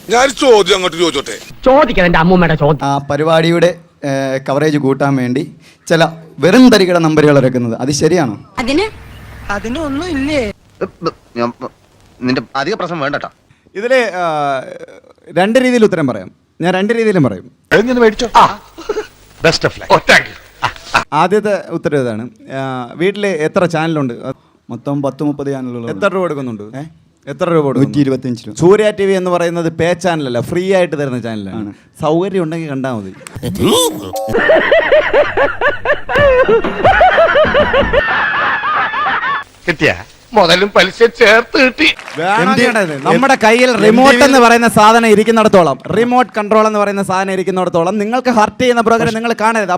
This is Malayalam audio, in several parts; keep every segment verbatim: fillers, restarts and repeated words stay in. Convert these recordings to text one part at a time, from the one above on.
ഞാൻ ചോദ്യം അങ്ങോട്ട് ചോദിച്ചോട്ടെ. ചോദിക്കണം എന്റെ അമ്മൂമ്മയുടെ ചോദ്യം. ആ പരിപാടിയുടെ കവറേജ് കൂട്ടാൻ വേണ്ടി ചില വെറും തരികട നമ്പറുകൾ ഇറക്കുന്നത് അത് ശരിയാണോ? അതിന് അതിനൊന്നും ഇല്ലേ? നിന്റെ അധിക പ്രശ്നം വേണ്ടട്ടോ. ഇതില് രണ്ട് രീതിയിൽ ഉത്തരം പറയാം. ഞാൻ രണ്ട് രീതിയിലും പറയും. ആദ്യത്തെ ഉത്തരം ഇതാണ്. വീട്ടില് എത്ര ചാനലുണ്ട്? മൊത്തം പത്ത് മുപ്പത് ചാനലുകൾ. എത്ര രൂപ കൊടുക്കുന്നുണ്ട്? എത്ര രൂപ കൊടുക്കും? നൂറ്റി ഇരുപത്തിയഞ്ച് രൂപ. സൂര്യ ടി വി എന്ന് പറയുന്നത് പേ ചാനലല്ല, ഫ്രീ ആയിട്ട് തരുന്ന ചാനലാണ്. സൗകര്യം ഉണ്ടെങ്കിൽ കണ്ടാൽ മതി. കിട്ടിയ മുതലും പലിശ ചേർത്ത് കിട്ടി. നമ്മുടെ കയ്യിൽ റിമോട്ട് എന്ന് പറയുന്ന സാധനം ഇരിക്കുന്നിടത്തോളം, റിമോട്ട് കൺട്രോൾ എന്ന് പറയുന്ന സാധനം ഇരിക്കുന്നിടത്തോളം നിങ്ങൾക്ക് ഹർട്ട് ചെയ്യുന്ന പ്രോഗ്രാം നിങ്ങൾ കാണരുത്.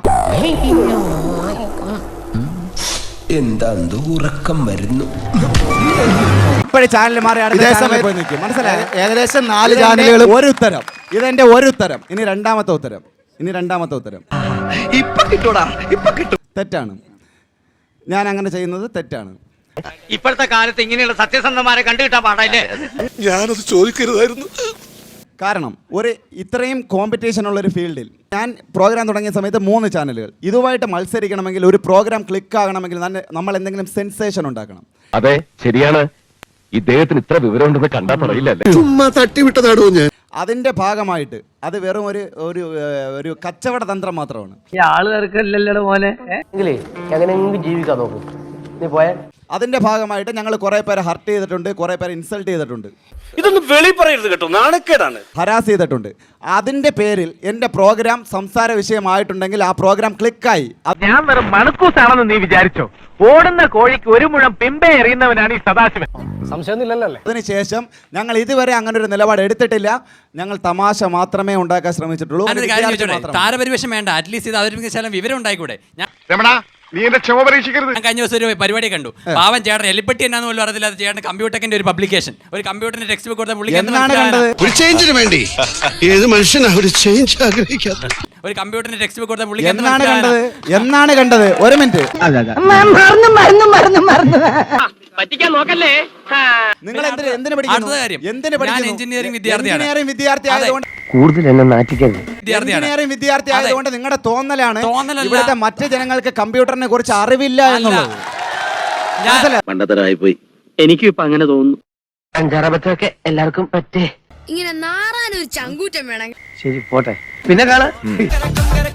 എന്താ ഉറക്കം വരുന്നു. ഇപ്പോഴും ചാനൽ മാറി മനസ്സിലായി. ഏകദേശം നാല് ചാനലുകൾ. ഒരു ഉത്തരം. ഇതെന്റെ ഒരു ഉത്തരം. ഇനി രണ്ടാമത്തെ ഉത്തരം. ഇനി രണ്ടാമത്തെ ഉത്തരം ഇപ്പൊ കിട്ടൂടാ, ഇപ്പൊ കിട്ടും. തെറ്റാണ്. ഞാൻ അങ്ങനെ ചെയ്യുന്നത് തെറ്റാണ്. ഇപ്പോഴത്തെ കാലത്ത് ഇങ്ങനെയുള്ള സത്യസന്ധമാരെ കണ്ടുകിട്ടാൻ പാടില്ലേ? ഞാനത് ചോദിക്കരുതായിരുന്നു. കാരണം ഒരു ഇത്രയും കോമ്പറ്റീഷൻ ഉള്ള ഒരു ഫീൽഡിൽ ഞാൻ പ്രോഗ്രാം തുടങ്ങിയ സമയത്ത് മൂന്ന് ചാനലുകൾ. ഇതുമായിട്ട് മത്സരിക്കണമെങ്കിൽ, ഒരു പ്രോഗ്രാം ക്ലിക്ക് ആകണമെങ്കിൽ നമ്മൾ എന്തെങ്കിലും സെൻസേഷൻ ഉണ്ടാക്കണം. അതെ, ശരിയാണ്. ഇദ്ദേഹത്തിന് ഇത്ര വിവരം ഉണ്ടെന്ന് കണ്ടാ പറയില്ലല്ലേ. ചുമ്മാ തട്ടിവിട്ടതാടോ ഞാൻ. അതിന്റെ ഭാഗമായിട്ട് അത് വെറും ഒരു ഒരു ഒരു കച്ചവട തന്ത്രം മാത്രമാണ്. ഈ ആള് തിരക്കല്ലോ മോനെ. എങ്ങനെയെങ്കിലും ജീവിക്കാൻ നോക്കും. നീ പോയാ അതിന്റെ ഭാഗമായിട്ട് ഞങ്ങൾ കുറെ പേരെ ഹർട്ട് ചെയ്തിട്ടുണ്ട്, കുറെ പേരെ ഇൻസൾട്ട് ചെയ്തിട്ടുണ്ട്. ഇതൊന്നും വെളി പറയരുത് കേട്ടോ, നാണക്കേടാണ്. ഹരാസ് ചെയ്തിട്ടുണ്ട്. അതിന്റെ പേരിൽ എന്റെ പ്രോഗ്രാം സംസാര വിഷയമായിട്ടുണ്ടെങ്കിൽ ആ പ്രോഗ്രാം ക്ലിക്കായി. ഞാൻ വെറും മണക്കൂസാണെന്ന് നീ വിചാരിച്ചോ? ഓടുന്ന കോഴിക്ക് ഒരു മുഴം പിമ്പെ എറിയുന്നവനാണ് ഈ സദാശിവൻ. സംശയമൊന്നുമില്ലല്ലേ? അതിനുശേഷം ഞങ്ങൾ ഇതുവരെ അങ്ങനെ ഒരു നിലപാട് എടുത്തിട്ടില്ല. ഞങ്ങൾ തമാശ മാത്രമേ ഉണ്ടാക്കാൻ ശ്രമിച്ചിട്ടുള്ളൂ. താരപരിവേഷം വേണ്ട, അറ്റ്ലീസ്റ്റ് ഇത് അവതരിപ്പിച്ചാലും വിവരം ഉണ്ടായിക്കൂടെ? നീ എന്റെ ക്ഷമ പരീക്ഷിക്കരുത്. ഞാൻ കഴിഞ്ഞ ദിവസം ഒരു പരിപാടി കണ്ടു. പാവൻ ചേട്ടൻ എലിപ്പെട്ടി എന്നാന്ന് പോലും അറിയില്ല. ചേട്ടൻ കമ്പ്യൂട്ടറിന്റെ ഒരു പബ്ലിക്കേഷൻ, ഒരു കമ്പ്യൂട്ടറിന്റെ ടെക്സ്റ്റ് ബുക്ക് കൊടുത്ത പുള്ളിക്ക് എന്നാണ് കണ്ടത്? ഒരു ചേഞ്ചിന് വേണ്ടി ഏത് മനുഷ്യനാ ഒരു ചേഞ്ച് ആഗ്രഹിക്കാത്ത? ഒരു കമ്പ്യൂട്ടറിന്റെ ടെക്സ്റ്റ് ബുക്ക് കൊടുത്ത പുള്ളിക്ക് എന്നാണ് കണ്ടത്? എന്നാണ് കണ്ടത്? ഒരു മിനിറ്റ്. മറന്നു മറന്നു മറന്നു മറന്നു പറ്റിക്കാൻ നോക്കല്ലേ. നിങ്ങൾ എന്തിന് എന്തിനു പഠിക്കുന്നു? എന്തിനു പഠിക്കുന്നു? എഞ്ചിനീയറിംഗ് വിദ്യാർത്ഥിയാണ്. എഞ്ചിനീയറിംഗ് വിദ്യാർത്ഥി ആയതുകൊണ്ട് കൂടുതൽ എന്നെ നാറ്റിക്കരുത്. എഞ്ചിനീയറിംഗ് വിദ്യാർത്ഥി ആയതുകൊണ്ട് നിങ്ങളുടെ തോന്നലാണ് ഇവിടുത്തെ മറ്റ് ജനങ്ങൾക്ക് കമ്പ്യൂട്ടറിനെ കുറിച്ച് അറിവില്ല എന്നുള്ളത്. പണ്ടത്തരായി പോയി. എനിക്കും ഇപ്പൊ അങ്ങനെ തോന്നുന്നു. അഞ്ചാറബത്തൊക്കെ എല്ലാവർക്കും പറ്റേ. ഇങ്ങനെ നാറാനൊരു ചങ്കൂറ്റം വേണം. ശരി, പോട്ടെ, പിന്നെ കാണാം.